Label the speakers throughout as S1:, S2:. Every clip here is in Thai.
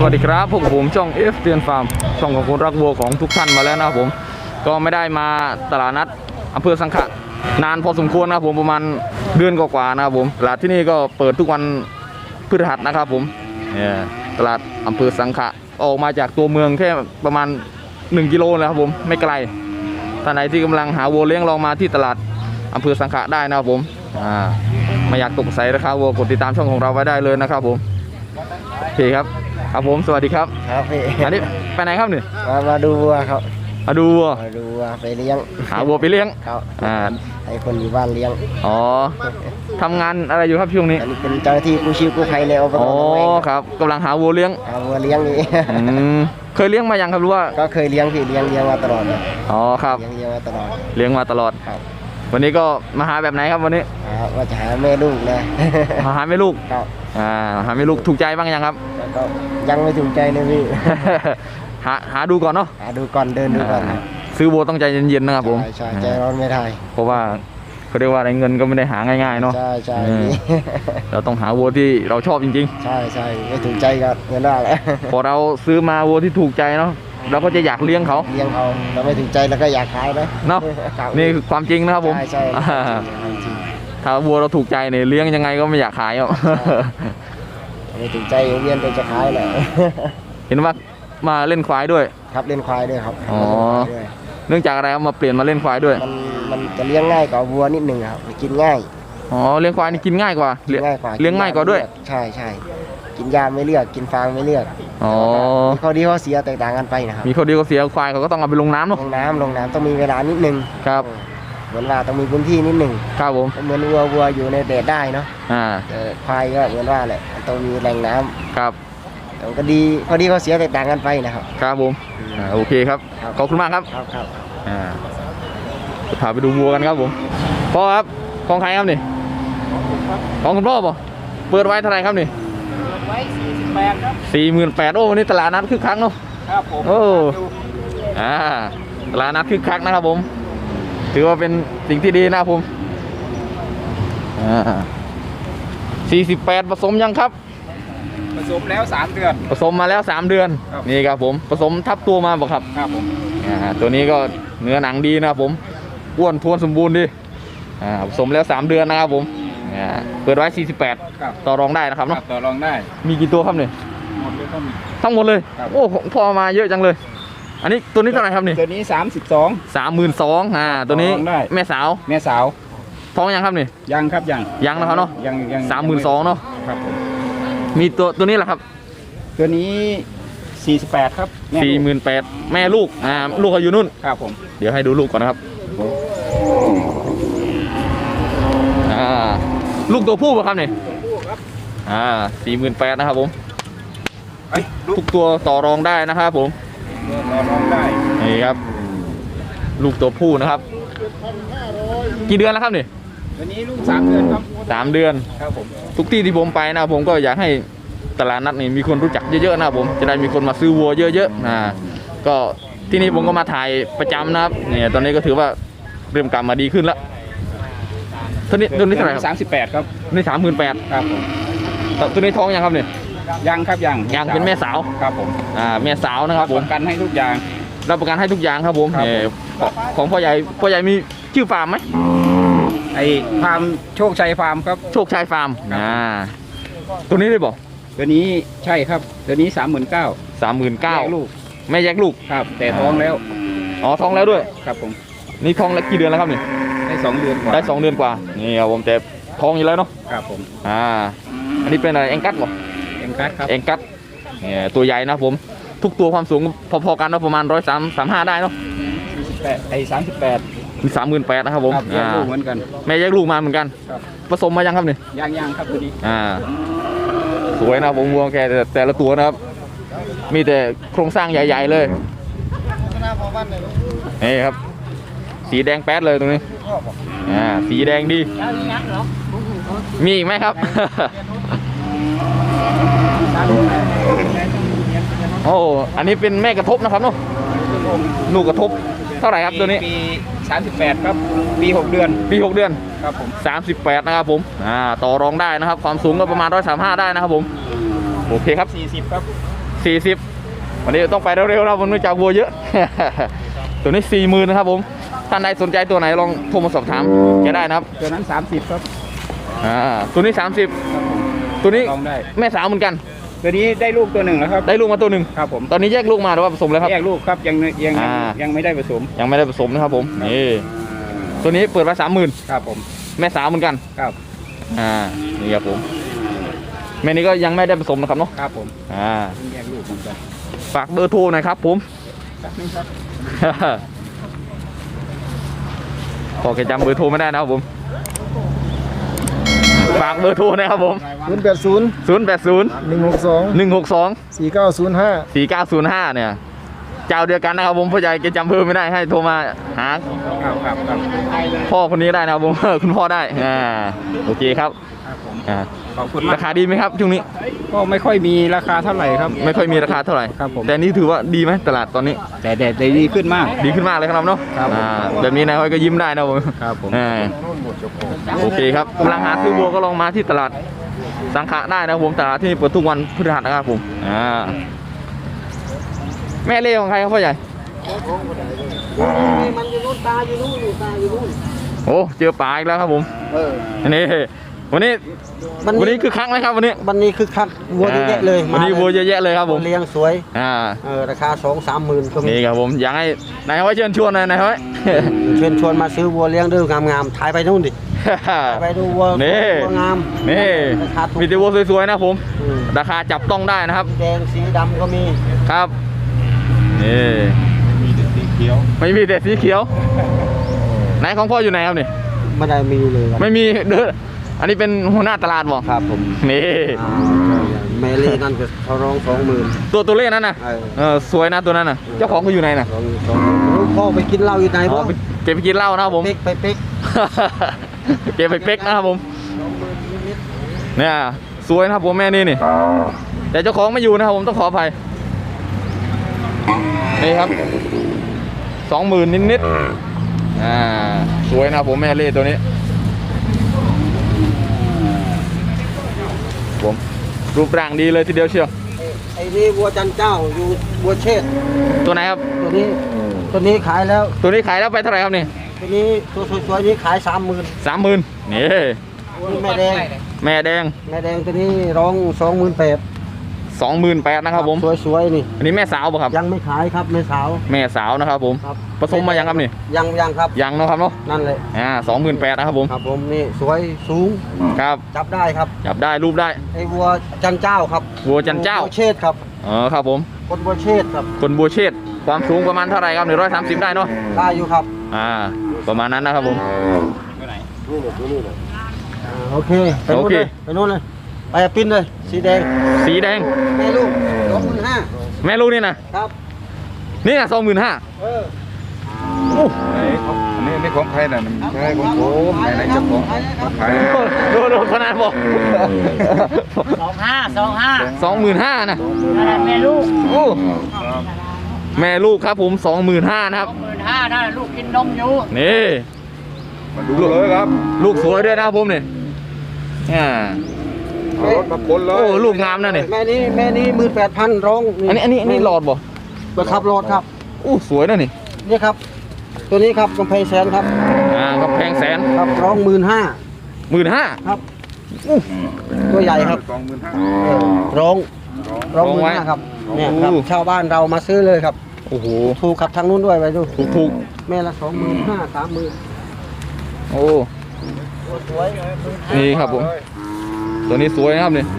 S1: วัสดีครับพวกผมช่อง F เตือนฟาร์มช่องของคนรักวัวของทุกท่านมาแล้วนะครับผมก็ไม่ได้มาตลาดนัดอำเภอสังขะนานพอสมควรนะครับผมประมาณเดือนกว่าๆนะครับผมตลาดที่นี่ก็เปิดทุกวันพฤหัสนะครับผมตลาดอำเภอสังขะออกมาจากตัวเมืองแค่ประมาณ1 กิโลนะครับผมไม่ไกลท่านไหนที่กำลังหาวัวเลี้ยงลองมาที่ตลาดอำเภอสังขะได้นะครับผมไม่อยากตกใส่ราคาวัวกดติดตามช่องของเราไว้ได้เลยนะครับผมโอเคครับครับผมสวัสดีครับ
S2: ครับพี่
S1: อันนี้ไปไหนครับนี่
S2: มาดูวัวครับ
S1: มาดูวัว
S2: ไปเลี้ยง
S1: หาวัวไปเลี้ยง
S2: ครับให้คนอยู่บ้านเลี้ยง
S1: อ๋อทำงานอะไรอยู่ครับช่วงนี้
S2: อันนี้เป็นเจ้าหน้าที่กู้ชีพกู้ภัยในอบต.
S1: อ๋อครับกำลังหาวัวเลี้ยง
S2: นี่
S1: เคยเลี้ยงมายังครับรู้ว่า
S2: ก็เคยเลี้ยงพี่เลี้ยงมาตลอด
S1: อ๋อครับ
S2: เลี้ยงมาตลอด
S1: ครับวันนี้ก็มาหาแบบไหนครับวันนี้
S2: ว่าจะหาแม่ลูกนะ
S1: มาหาแม่ลูก
S2: ครับ
S1: หาแม่ลูกถูกใจบ้างยังครับ
S2: ก็ยังไม่ถูกใจเลยพี่
S1: หาดูก่อนเนาะ
S2: หาดูก่อนเดินดูก่อน
S1: ซื้อวัวต้องใจเย็นๆนะครับผม
S2: ใช่ใจร้อนไม่ได้
S1: เพราะว่าเขาเรียกว่าเงินก็ไม่ได้หาง่ายๆเนาะ
S2: ใช่
S1: เราต้องหาวัวที่เราชอบจริง
S2: ๆใช่ไม่ถูกใจก็เงินได้แหละ
S1: พอเราซื้อมาวัวที่ถูกใจเนาะเราก็จะอยากเลี้ยงเขา
S2: เราไม่ถูกใจแล้วก็อยากขายนะ
S1: เนาะนี่คือความจริงนะครับผม
S2: ใช่
S1: ถ้าวัวเราถูกใจเนี่ยเลี้ยงยังไงก็ไม่อยากขายอ่ะ
S2: ไม่ถูกใจเวียนจะขายแหละ
S1: เห็นว่ามาเล่นควายด้วย
S2: ครับเล่นควายด้วยครับ
S1: อ๋อเนื่องจากอะไรมาเปลี่ยนมาเล่นควายด้วย
S2: มันจะเลี้ยงง่ายกว่าวัวนิดหนึ่งครับกินง่าย
S1: อ๋อเลี้ยงควายนี่กินง่ายกว่าเลี้ยงง่ายกว่าด้วย
S2: ใช่กินยาไม่เลือกกินฟางไม่เลือก
S1: อ๋อ
S2: มีข้อดีข้อเสียแตกต่างกันไปนะครับ
S1: มีข้อดีข้อเสียควายเขาก็ต้องเอาไปลงน้ำเนาะ
S2: ลงน้ำต้องมีเวลานิดนึง
S1: ครับ
S2: เหมือนว่าต้องมีพื้นที่นิดนึง
S1: ครับผม
S2: เหมือนวัวอยู่ในแดดได้เนาะควายก็เหมือนว่าแหละต้องมีแหล่งน้ำ
S1: ครับ
S2: แต่ก็ดีข้อดีข้อเสียแตกต่างกันไปนะครับ
S1: ครับผมโอเคครับขอบคุณมากครับ
S2: ครับ
S1: พาไปดูวัวกันครับผมพ่อครับของใครครับนี่ของคุณพ่อป่ะเปิดไว้เท่าไหร่ครับนี่
S3: ไว้48ครับ
S1: 48,000โอ้วันนี้ตลาดนัดคึกคักเนาะ
S3: ครับผม
S1: โอ้ตลาดนัดคึกคักนะครับผมถือว่าเป็นสิ่งที่ดีนะครับผม48ผสมยังครับ
S3: ผสมแล้ว3 เดือน
S1: ผสมมาแล้ว3 เดือนนี่ครับผมผสมทับตัวมาบอกครับ
S3: ครับผม
S1: ตัวนี้ก็เนื้อหนังดีนะครับผมอ้วนท้วนสมบูรณ์ดีผสมแล้ว3 เดือนนะครับผมเปิดไว้48ต่อรองได้นะครับเนาะ
S3: ต่อรองได้
S1: มีกี่ตัวครับเนี่ย
S3: หมดเลยก็มี
S1: ทั้งหมดเลยโอ้พอมาเยอะจังเลยอันนี้ตัวนี้เท่าไหร่ครับนี่
S3: ตัวนี้
S1: 32,000ตัวนี้แม่สาวท้องยังครับนี่ยังนะครับเนาะ
S3: ยัง
S1: 32,000เนาะ
S3: ครับผม
S1: มีตัวนี้แหละครับ
S3: ตัวนี้48ครับ
S1: 48,000แม่ลูกลูกเขาอยู่นู่น
S3: ครับผม
S1: เดี๋ยวให้ดูลูกก่อนนะครับลูกตัวผู้ป่ะครับเนี่ย48,000นะครับผมทุกตัวต่อรองได้นะครับผม
S3: ต่อรองได้
S1: นี่ครับลูกตัวผู้นะครับกี่เดือนแล้วครับเนี่ย
S3: วันนี้ลูก3 เดือนครับ
S1: 3 เดือน
S3: ครับผม
S1: ทุกที่ที่ผมไปนะผมก็อยากให้ตลาดนัดนี่มีคนรู้จักเยอะๆนะครับผมจะได้มีคนมาซื้อวัวเยอะๆก็ที่นี่ผมก็มาถ่ายประจำนะครับเนี่ยตอนนี้ก็ถือว่าเริ่มกลับมาดีขึ้นแล้วตัวนี้เท่าไหร่ครับ
S3: 38ครับ
S1: นี่38,000
S3: ครับผม
S1: ตัวนี้ท้องยังครับเนี่ย
S3: ยังครับ
S1: ยังเป็นแม่สาว
S3: ครับผม
S1: แม่สาวนะครับผม
S3: ประกันให้ทุกอย่าง
S1: รับประกันให้ทุกอย่างครับผมของพ่อใหญ่มีชื่อฟาร์มไหม
S3: ไอ้ฟาร์มโชคชัยฟาร์มครับ
S1: โชคชัยฟาร์มตัวนี้ได้บอก
S3: ตัวนี้ใช่ครับตัวนี้39,000
S1: ลูกแม่แยกลูก
S3: ครับแต่ท้องแล้ว
S1: ท้องแล้วด้วย
S3: ครับผม
S1: นี่ท้องแล้วกี่เดือนแล้วครับนี่
S3: ได้2 เดือนกว่า
S1: นี่ครับผมแต่ท้องอยู่แล้วเนาะ
S3: ครับผม
S1: อันนี้เป็นอะไรแองกัสหรอ
S3: แองกัสครับ
S1: แองกัสเนี่ยตัวใหญ่นะผมทุกตัวความสูงพอๆกันนะประมาณ135ได้เนาะ
S3: 38
S1: คือ38,000นะครับผม
S3: แยกลูกเหมือนกัน
S1: แม่แยกลูกมาเหมือนกันผสมมายังครับนี่
S3: ยังครับตัวนี้
S1: สวยนะผมวัวแกแต่ละตัวนะครับมีแต่โครงสร้างใหญ่ๆเลยนี่ครับสีแดงแป๊ดเลยตรงนี้สีแดงดีมีอีกไหมครับโอ้อันนี้เป็นแม่กระทบนะครับเนาะลูกกระทบเท่าไหร่ครับตัวนี้
S3: ปี38ครับปี6 เดือน
S1: ครับผม38นะครับผมต่อรองได้นะครับความสูงก็ประมาณ135ได้นะครับผมโอเคครับ
S3: 40ครับ
S1: 40วันนี้ต้องไปเร็วๆนะผมเนื่องจากวัวเยอะ ตัวนี้ 40,000นะครับผมท่านใดสนใจตัวไหนลองโทรมาสอบถามแกได้นะครับ
S3: ตัวนั้น30ครับ
S1: ตัวนี้30ตัวนี้
S3: ลองได้
S1: แม่สาวเหมือนกัน
S3: ตัวนี้ได้ลูกตัวหนึ่งแล้วครับ
S1: ได้ลูกมาตัวหนึ่ง
S3: ครับผม
S1: ตอนนี้แยกลูกมาหรือว่าผสมแล้วครับ
S3: แยกลูกครับยังไม่ได้ผสม
S1: ยังไม่ได้ผสมนะครับผมนี่ตัวนี้เปิดไว้30,000
S3: ครับผม
S1: แม่สาวเหมือนกัน
S3: ครับ
S1: นี่ครับผมแม่นี้ก็ยังไม่ได้ผสมนะครับเนาะ
S3: ครับผม แยกลูกเหมือนกัน
S1: ฝากเบอร์โทรหน่อยครับผม
S3: แป๊บนึงครับ
S1: พอแกจำเบอร์โทรไม่ได้นะครับผมฝากเบอร์โทรนะครับผม
S2: 080
S1: 080
S2: 162
S1: 162
S2: 4905
S1: 4905เนี่ยเจ้าเดียวกันนะครับผมพ่อใหญ่แกจำเบอร์ไม่ได้ให้โทรมาหา
S3: ครับ
S1: พ่อคนนี้ได้นะครับผม คุณพ่อได้โอเคครับ
S3: ครับผม
S1: อ่า
S3: ขอบคุณมาก
S1: ราคาดีไหมครับช่วงนี้
S3: ก็ไม่ค่อยมีราคาเท่าไหร่ครับ
S1: ไม่ค่อยมีราคาเท่าไหร่
S3: ครับผม
S1: แต่นี่ถือว่าดีไหมตลาดตอนนี้
S3: แต่ดีขึ้นมาก
S1: ดีขึ้นมากเลยครับเนาะ
S3: ครับผม
S1: แบบนี้นายห้อยก็ยิ้มได้นะผม
S3: ครับผม
S1: โอเคครับกำลังหาซื้อวัวก็ลองมาที่ตลาดสังขะได้นะครับผมตลาดที่นี่เปิดทุกวันพฤหัสนะครับผมแม่เล่ของใครครับพ่อใหญ่
S2: มันอยู่นู่นตาอยู่นู่นตาอยู่นู่น
S1: โอ้เจอปลาอีกแล้วครับผมนี่วันนี้คือคักไหมครับวันนี้
S2: วันนี้คือคักวัวเยอะแยะเลย
S1: วันนี้วัวเยอะแยะเลยครับผม
S2: เลี้ยงสวย
S1: อ่า
S2: ราคา 2-3 หมื่นก็มี
S1: นี่ครับผมอยากให้นายห้อยเชิญชวนหน่อยนายห้อย
S2: เชิญชวนมาซื้อวัวเลี้ยงด้วยงามๆถ่ายไปนู่นดิไปดูวัว
S1: นี่
S2: วัวงาม
S1: นี่
S2: ราคาถูก
S1: มีแต่วัวสวยๆนะผม
S2: อืม
S1: ราคาจับต้องได้นะครับ
S2: แดงสีดำก็มี
S1: ครับนี่ไม่มีแต่สีเขียวไหนของพ่ออยู่ไหนครับนี่
S2: ไม่ได้มีเลยครับ
S1: ไม่มีเด้ออันนี้เป็นหัวหน้าตลาดบ่
S2: ครับผม
S1: นี่
S2: แม่เล่นั่นก็เขาร้อง 20,000
S1: ตัวเล่นนั้นน่ะสวยนะตัวนั้นน่ะเจ้าของเขาอยู่ไหนน่ะ
S2: ลูกพ่อไปกินเหล้าอยู่ไหน
S1: อ๋
S2: บ่
S1: อเก็บไปกินเหล้านะครับผม
S2: เป๊กไปเป๊ก
S1: เก็บไปเป๊กนะครับผมเนี่ยสวยนะครับผมแม่นี่แต่เจ้าของไม่อยู่นะครับผมต้องขออภัยนี่ครับ 20,000 นิดๆสวยนะครับผมแม่เล่ตัวนี้ผมรูปร่างดีเลยทีเดียวเชียว
S2: ไอ้นี่วัวจันเจ้าอยู่วัวเชษฐ์
S1: ตัวไหนครับ
S2: ตัวนี้ขายแล้ว
S1: ตัวนี้ขายแล้วไปเท่าไหร่ครับนี่
S2: ตัวนี้ตัวสวยๆนี้ขาย 30,000
S1: 30,000นี่
S2: นี่แม่แดง
S1: แม่แดง
S2: แม่แดงตัวนี้ร้อง 28,000
S1: 28,000นะครับผม
S2: สวยๆนี่
S1: อันนี้แม่สาวป่ะครับ
S2: ยังไม่ขายครับแม่สาว
S1: แม่สาวนะครับผม
S2: ครับ
S1: ผสมมายังครับนี่
S2: ยังครับ
S1: ยังเนาะครับเนาะ
S2: นั่นเลย
S1: 28,000นะครับผม
S2: ครับผมนี่สวยสูง
S1: ครับ
S2: จับได้ครับ
S1: จับได้รูปได้
S2: ไอ้วัวจันเจ้าครับ
S1: วัวจันเจ้า
S2: วัวเชษฐ์ครับ
S1: ครับผม
S2: คนวัวเชษฐ์ครับ
S1: คนบัวเชษฐ์ความสูงประมาณเท่าไหร่ครับ130ได้เนาะ
S2: ได้อยู่ครับ
S1: ประมาณนั้นนะครับผม
S2: โอเคไปนู่น
S1: โอเค
S2: เลยไปนู่นเลยไปปิ้นเลยสีแดง
S1: สีแดง
S2: แม่ลูก25,000
S1: แม่ลูกนี่นะครับ นี่นะ25,000
S2: เออ
S4: อันนี้ของใครน่ะมันใช่ของผมไหนๆเจ้าของของใคร
S1: ดูขนาดบอก 25,000นะ
S5: แม่ลูก
S1: โอ้แม่ลูกครับผม25,000นะครับ
S5: 15,000นั่นลูกกินนมอยู่
S1: นี่
S4: มาดูเลยครับ
S1: ลูกสวยด้วยนะครับผมเนี่ย
S4: เอารถมาคนเลย
S1: โอ้ลูกงามนะเนี่ย
S2: แม่นี้18,000ร้อง
S1: อันนี้หลอดบ่
S2: เปิดขับรถครับ
S1: อู้สวยนะนี่
S2: นี่ครับ ตัวนี้ครับกำแพงแสนครับ
S1: กำแพงแสน
S2: ครับร้อง 15,000
S1: 15,000
S2: ครับตัวใหญ่ครับ
S4: 25,000
S2: ร้อง
S1: ร้องไว้
S2: 15,000ครับเนี่ยครับ
S1: โอ้
S2: ชาวบ้านเรามาซื้อเลยครับ
S1: โอ้โห
S2: ถูกขับทางนู้นด้วยไปดู
S1: ถูก
S2: แม่ละ 25,000 30,000
S1: โอ้
S2: สวย
S1: นี่ครับผม ตัวนี้สวยนะครับนี่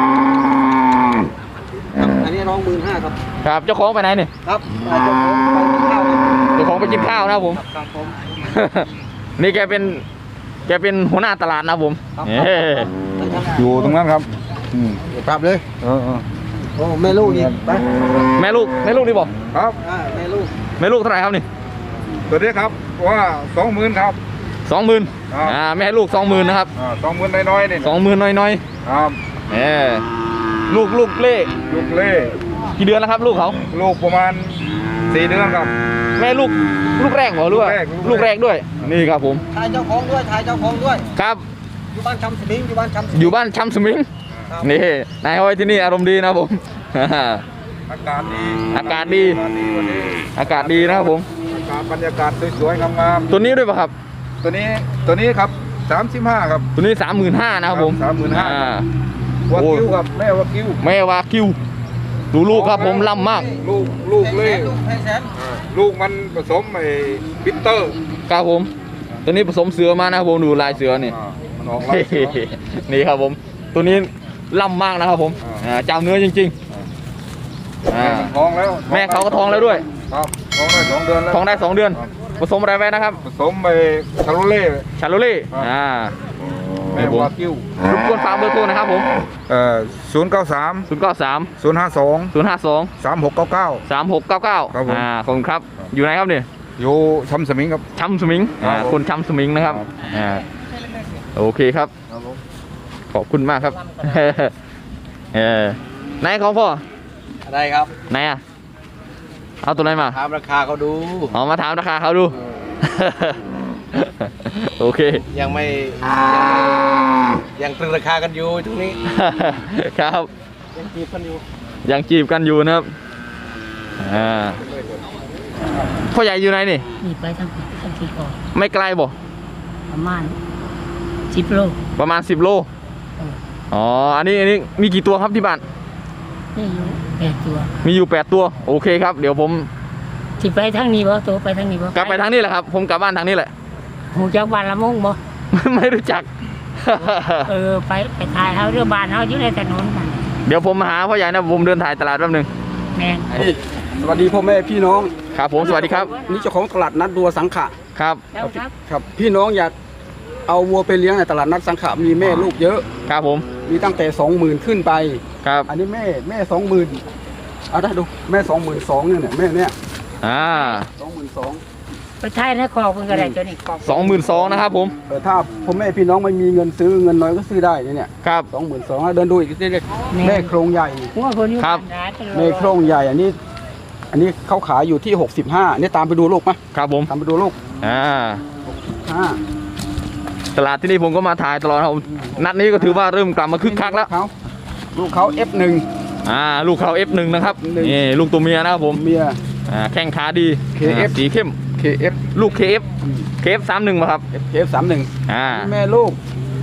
S2: อันนี้ร้อง 15,000ครับ
S1: ครับเจ้าของไปไหนเนี่ย
S2: ครับเจ้าของไปกินข้าวครับ
S1: เจ้าของไปกินข้าวนะครับผม
S2: ครับผม
S1: นี่แกเป็นหัวหน้าตลาดนะครับผม
S2: ครับ
S1: เอ้
S4: อยู่ตรงนั้นครับ
S2: เดี๋ยวกลับเลย
S4: เออ
S2: โอ้แม่ลูกอีกไป
S1: แม่ลูกนี่บอก
S4: ครับ
S2: แม่ลูก
S1: แม่ลูกเท่าไหร่ครับนี่
S4: ตัวนี้ครับว่า 20,000ครับ
S1: 20,000
S4: ครับ
S1: แม่ลูก 20,000นะครับ
S4: 20,000น้อยๆนี่
S1: 20,000น้อย
S4: ครับ
S1: ๆลูกเล่
S4: ลูกเล่
S1: กี่เดือนแล้วครับ ลูกเขา
S4: ลูกประมาณ4 เดือนครับ
S1: แม่ลูกแรกเหรอหรือว่า
S4: ลูกแรก
S1: ด้วย นี่ครับผม
S2: ถ่ายเจ้าของด้วยถ่ายเจ้าของด้วย
S1: ครับ
S2: อยู่บ้านชำสมิงอยู่บ้านชำสมิง
S1: อยู่บ้านชำสมิง
S2: ครับ
S1: นี่นายห้อยที่นี่อารมณ์ดีนะครับผม
S4: อากาศดี
S1: อากาศดี
S4: วันนี้
S1: อากาศดีนะครับผม
S4: บรรยากาศสวยๆงาม
S1: ตัวนี้ด้วยป่ะครับ
S4: ๆตัวนี้ครับ35ครับ
S1: ตัวนี้ 35,000นะครับผม
S4: 35,000
S1: อ่าว
S4: ากิวครับแม่วากิว
S1: แม่วากิวดูลูกครับผมล่ำมาก
S4: ลูกเล่ลูกมันผสมไอ้บิตเตอร์
S1: ครับผมตัวนี้ผสมเสือมานะครับผมดูลายเสือนี่
S4: มันออกลายเสือ
S1: นี่ครับผมตัวนี้ล่ำมากนะครับผม เจ้าเนื้อจริงๆ
S4: แม่มันท้องแล้ว
S1: แม่เขาก็ท้องแล้วด้วย
S4: ครับท้องได้2 เดือนแล้ว
S1: ท้องได้ 2 เดือน
S4: ครับ
S1: ผสมอะไรไว้นะครับ
S4: ผสมไปคาโรเล่
S1: ชาโลเล่
S4: ครับ แม่
S1: นี่ผม
S4: วากิว
S1: รบกวนฝากเบอร์โทรนะครับผม
S4: 093
S1: 093
S4: 052
S1: 052
S4: 3699
S1: 3699
S4: ครับผม
S1: ขอบคุณครับอยู่ไหนครับเนี่ย
S4: อยู่ชำสมิงครับ
S1: ช้ำสมิง
S4: ครับผม
S1: คนช้ำสมิงนะครับ
S4: ครับ
S1: โอเคครับ ขอบคุณมากครับ ไหนของพ่อ
S2: อะไรครับ
S1: ไหนอ่ะเอาตัวไหนมา
S2: ถามราคาเขาดู
S1: เอามาถามราคาเขาดู โอเค
S2: ยังไม่ยังตรึงราคากันอยู่ตรงนี้
S1: ครับ
S2: ยังจีบกันอยู่
S1: ยังจีบกันอยู่นะครับพ่อใหญ่อยู่ไหนนี่
S5: นี่ไปทั้งที่ก่อน
S1: ไม่ไกลบ่
S5: ประมาณ10 โล
S1: ประมาณ10 โล อ๋อ อันนี้มีกี่ตัวครับที่บ้าน
S5: นี่อยู่8 ตัว
S1: มีอยู่ 8 ตัว โอเคครับ เดี๋ยวผม
S5: ที่ไปทางนี้บ่ตัวไปทางนี้บ่
S1: กลับไปทางนี้แหละครับ ผมกลับบ้านทางนี้แหละ
S5: หูจักบ้านละมงบ่
S1: ไม่รู้จัก
S5: ไปถ่ายเฮาเรือบ้านเฮาอยู่ในถนนนั่น
S1: เดี๋ยวผมมาหาพ่อใหญ่นะผมเดินถ่ายตลาดแป๊บนึง
S5: แม่น
S3: สวัสดีพ่อแม่พี่น้อง
S1: ครับผมสวัสดีครับ
S3: นี่เจ้าของตลาดนัดวัวสังขะ
S1: ครับ
S5: แล้วครับ
S3: ครับพี่น้องอยากเอาวัวไปเลี้ยงในตลาดนัดสังขะมีแม่ลูกเยอะ
S1: ครับผม
S3: มีตั้งแต่ 20,000 ขึ้นไป
S1: ครับ
S3: อันนี้แม่ 20,000เอาได้ดูแม่ 22,000เนี่ยแม่เนี่ย 22,000
S5: ไปถ่ายในคอกเพิ่นก็ได้ตัวนี้คอก
S1: 22,000นะครับผม
S3: ถ้าพ่อแม่พี่น้องไม่มีเงินซื้อเงินน้อยก็ซื้อได้เนี่ย
S1: ครับ
S3: 22,000แล้วเดินดูอีกทีเล็กแม่โครงใหญ่
S5: หัวคนอยู่
S1: ครับ
S5: บ้านนะ
S3: แม่โครงใหญ่อันนี้เขาขายอยู่ที่65นี่ตามไปดูลูกมะ
S1: ครับผม
S3: ตามไปดูลูก
S1: ตลาดที่นี่ผมก็มาถ่ายตลอดครับผมนัดนี้ก็ถือว่าเริ่มกลับมาคึกคักแล้ว
S3: ลูกเขา F1
S1: ลูกเขา F1 นะครับ นี่ลูกตัวเมียนะครับผม
S3: เมีย
S1: แข้งขาดี
S3: KF
S1: สีเข้ม
S3: KF
S1: ลูก KF 31ป่ะครับ
S3: KF31 แม่ลูก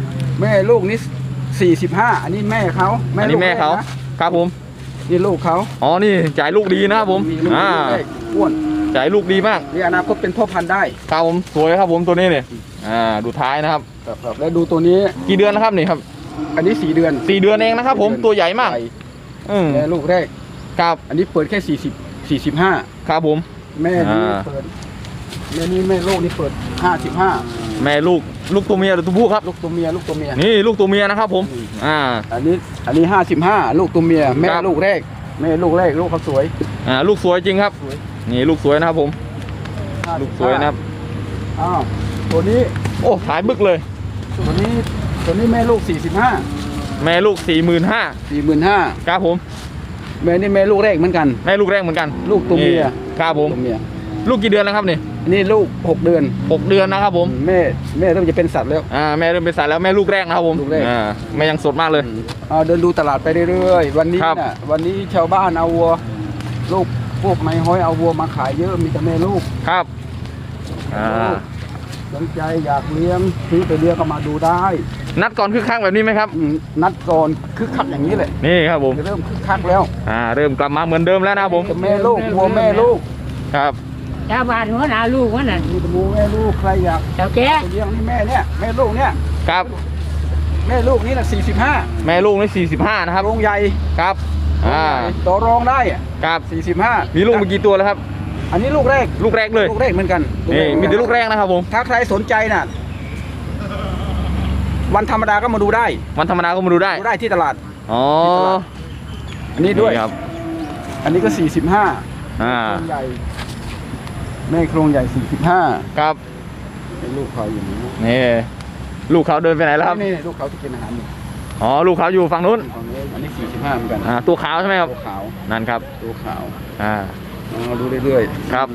S3: นี่45อันนี้แม่เขา
S1: อันนี้แม่เขา
S3: นะ
S1: ครับผม
S3: นี่ลูกเขา
S1: อ๋อนี่จ่ายลูกดีนะครับผม
S3: มีลูกเล็กอ้วน
S1: จ่ายลูกดีมาก
S3: นี่อนาคตเป็นพ่อพันธุ์ได้
S1: ครับผมสวยครับผมตัวนี้เนี่ยดูท้ายนะครับ
S3: แล้วดูตัวนี้
S1: กี่เดือนแล้วครับนี่ครับ
S3: อันนี้4 เดือน
S1: 4 เดือนเองนะครับผมตัวใหญ่มาก
S3: แม่ลูกแรก
S1: ครับ
S3: อันนี้เปิดแค่45
S1: ครับผม
S3: แม่นี้เปิดแม่ลูกนี่เปิด55
S1: แม่ลูกตัวเมียหรือตัวผู้ครับ
S3: ลูกตัวเมีย
S1: นี่ลูกตัวเมียนะครับผม
S3: อันนี้55ลูกตัวเมียแม่
S1: ครับ
S3: ลูกแรกลูกเขาสวย
S1: ลูกสวยจริงครับ
S3: สวย
S1: นี่ลูกสวยนะครับผมลูกสวยนะครับ
S3: อ้าวตัวนี้
S1: โอ้ถ่ายบึกเลย
S3: ตัวนี้แม่ลูก45
S1: แม่ลูก
S3: 45,000
S1: ครับผม
S3: แม่นี่แม่ลูกแรกเหมือนกัน
S1: แม่ลูกแรกเหมือนกัน
S3: ลูกตัวเมีย
S1: นี่ครับผม
S3: ตัวเมีย
S1: ลูกกี่เดือนแล้วครับนี่
S3: อันนี้ลูก6 เดือน
S1: 6 เดือนนะครับผม
S3: แม่เริ่มจะเป็นสัตว์แล้ว
S1: แม่เริ่มเป็นสายแล้วแม่ลูกแรกนะครับผม
S3: ลูกแรก
S1: แม่ยังสดมากเลย
S3: เดินดูตลาดไปเรื่อยๆวันนี้
S1: ครับ
S3: น่ะวันนี้ชาวบ้านเอาวัวลูกพวกไม้ห้อยเอาวัวมาขายเยอะมีแต่แม่ลูก
S1: ครับ
S3: สนใจอยากเลี้ยงซื้อไปเลี้ยงก็มาดูได้
S1: นัดก่อนคึกคักแบบนี้ไหมครับ
S3: นัดก่อนคึกคักอย่างนี้แหละ
S1: นี่ครับผม
S3: เริ่มคึกคักแล้ว
S1: เริ่มกลับมาเหมือนเดิมแล้วนะครับผม
S3: แม่ลูกวัวแม่ลูก
S1: ครับ
S5: ชาวบ้านหัวหน้าลูกว่านั่น
S3: มีแต่วัวแม่ลูกใครอยาก
S5: เจ้าแก่
S3: ไปเลี้ยงนี่แม่เนี่ยแม่ลูกเนี่ย
S1: ครับ
S3: แม่ลูกนี่น่ะ45
S1: แม่ลูกนี่45นะครับ
S3: โรงใหญ่
S1: ครับ
S3: ต่อรองได้อะ
S1: ครับ
S3: 45
S1: มีลูกมากี่ตัวแล้วครับ
S3: อันนี้ลูกแรก
S1: ลูกแรกเลย
S3: ลูกแรกเหมือนกัน
S1: นี่มีแต่ลูกแรกนะครับผม
S3: ถ้าใครสนใจน่ะวันธรรมดาก็มาดูได้
S1: วันธรรมดาก็มาดูได้
S3: ดูได้ที่ตลาด
S1: อ๋อ
S3: อันนี้ด้วย
S1: นี่ครับ
S3: อันนี้ก็45
S1: อ่า
S3: โครงใหญ่แม่โครงใหญ่45
S1: ครับ
S3: เป็นลูกเขาอยู่นี่
S1: นี่ลูกเขาเดินไปไหนแล้วครับ
S3: นี่ลูกเขาที่กินอาหารอยู่
S1: อ๋อลูกเขาอยู่ฝั่งนู้น
S3: ฝั่งนี้อันนี้45เหมือนกัน
S1: ตัวขาวใช่ไหมครับ
S3: ตัวขาว
S1: นั่นครับ
S3: ตัวขาว
S1: อ่า
S3: ดูเรื่อยๆ
S1: ครับ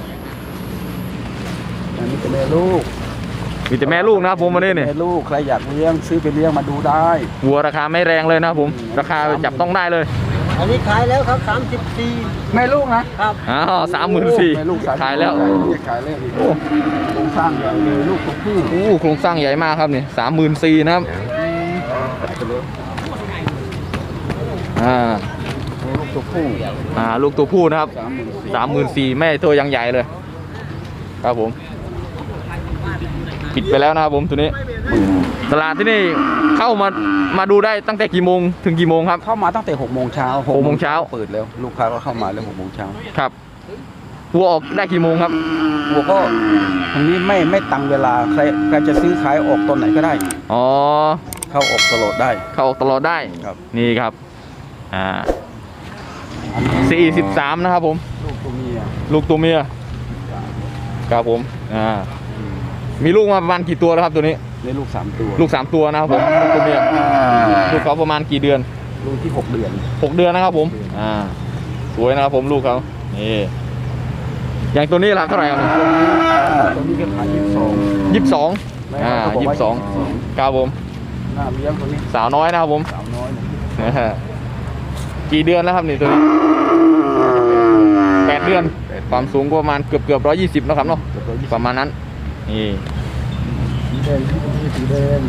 S3: อันนี้เป็นแม่ลูก
S1: มีแต่แม่ลูกนะครับผมวันนี้นี่
S3: แม่ลูกใครอยากเลี้ยงซื้อไปเลี้ยงมาดูได้
S1: วัวราคาไม่แรงเลยนะครับผม ราคาจับต้องได้เลย
S2: อันนี้ขายแล้วครับ34
S3: แม่ลูกนะครับ
S1: อ้าว34,000
S3: แม่ลูก
S1: ขายแล้ว
S3: ขายแล้วโอ้โครงสร้างใหญ่เลยลูกตัวผู้
S1: โอ้โครงสร้างใหญ่มากครับนี่34,000นะครับอ่า
S3: ลูกตัวผู้
S1: ลูกตัวผู้นะครับ
S3: 34,000
S1: 34,000แม่ตัวยังใหญ่เลย ครับผม ปิดไปแล้วนะครับผมตัวนี้ ตลาดที่นี่เข้ามาดูได้ตั้งแต่กี่โมงถึงกี่โมงครับ
S3: เข้ามาตั้งแต่6 โมงเช้า
S1: 6 โมงเช้า
S3: เปิดแล้วลูกค้าก็เข้ามาแล้ว6 โมงเช้า
S1: ครับวัวออกได้กี่โมงครับ
S3: วัวก็ตรงนี้ไม่ตังเวลาใครจะซื้อขายออกตอนไหนก็ได้
S1: อ๋อ
S3: เข้าออกตลอดได้
S1: เข้าออกตลอดได้
S3: ครับ
S1: นี่ครับ43นะครับผม
S3: ลูกตัวเมีย
S1: ลูกตัวเมียครับผมมีลูกมาประมาณกี่ตัวแล้วครับตัวนี้
S3: ในลูก3 ตัว
S1: ลูก3ตัวนะครับผมลูกตัวเมียลูกเขาประมาณกี่เดือน
S3: ลูกที่6 เดือน
S1: 6 เดือนนะครับผมสวยนะครับผมลูกเขานี่อย่างตัวนี้ราคาเท่าไหร่ครับ
S3: ตัวนี้ก็ขาย
S1: 22
S3: 22
S1: 22ครับผม
S3: น่าเลี้ยงตัวนี้
S1: สาวน้อยนะครับผม
S3: สาวน้อยนะ
S1: กี่เดือนแล้วครับนี่ตัวนี้8 เดือนความสูงก็ประมาณเกือบ120นะครับเนาะประมาณนั้นนี่
S3: สีแดงที่ตัวนี้สีแดง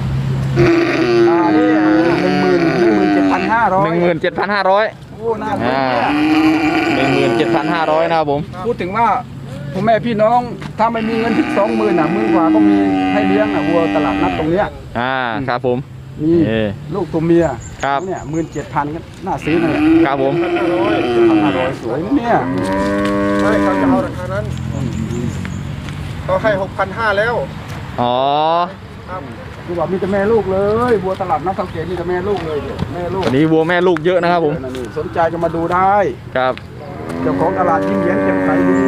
S3: นี่17,500
S1: 17,500
S3: โอ้น่าเลี้ยง
S1: 17,500นะครับผม
S3: พูดถึงว่าพ่อแม่พี่น้องถ้าไม่มีเงินถึง20,000น่ะ10,000 กว่าก็มีให้เลี้ยงวัวตลาดนัดตรงเนี้ย
S1: ครับผม
S3: มี ลูกตัวเมีย
S1: ครับ
S3: เนี่ย17,000ก็น่าซื้อนั่นแหละ
S1: ครับผม
S3: 7,500สวยนะเนี่ย
S4: ไม่เขาจะเอาราคานั้นเขาให้6,500แล้ว
S1: อ๋อ
S3: คือว่ามีแต่แม่ลูกเลยวัวตลาดนัดสังเกตมีแต่แม่ลูกเลยเนี่ยแม่ลูก
S1: วันนี้วัวแม่ลูกเยอะนะครับผม
S3: นี่สนใจจะมาดูได้
S1: ครับ
S3: เจ้าของตลาดยิ้มเย็นเก็บใสดี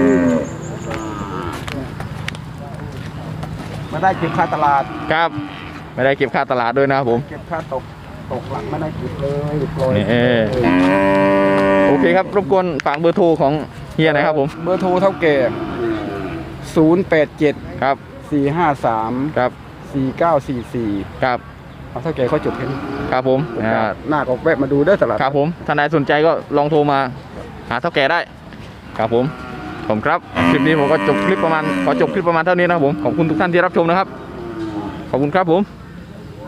S3: มาได้เก็บค่าตลาด
S1: ครับไม่ได้เก็บค่าตลาดด้วยนะครับผม
S3: เก็บค่าตกหลังไม่ได้เก็บเลยปล่อย
S1: นี่โอเคครับรบกวนฝากเบอร์โทรของเฮียหน่อยครับผม
S3: เบอร์โทรเท่าแก่087
S1: ครับ
S3: 453
S1: ครับ
S3: 4944
S1: ครับ
S3: เอาเท่าแก่เขาจบแค่นี้
S1: ครับผม
S3: หน้าก็แวะมาดูได้ตลาด
S1: ครับผมท่านใดสนใจก็ลองโทรมาหาเท่าแก่ได้ครับผมครับคลิปนี้ผมก็จบคลิปประมาณขอจบคลิปประมาณเท่านี้นะครับผมขอบคุณทุกท่านที่รับชมนะครับขอบคุณครับผม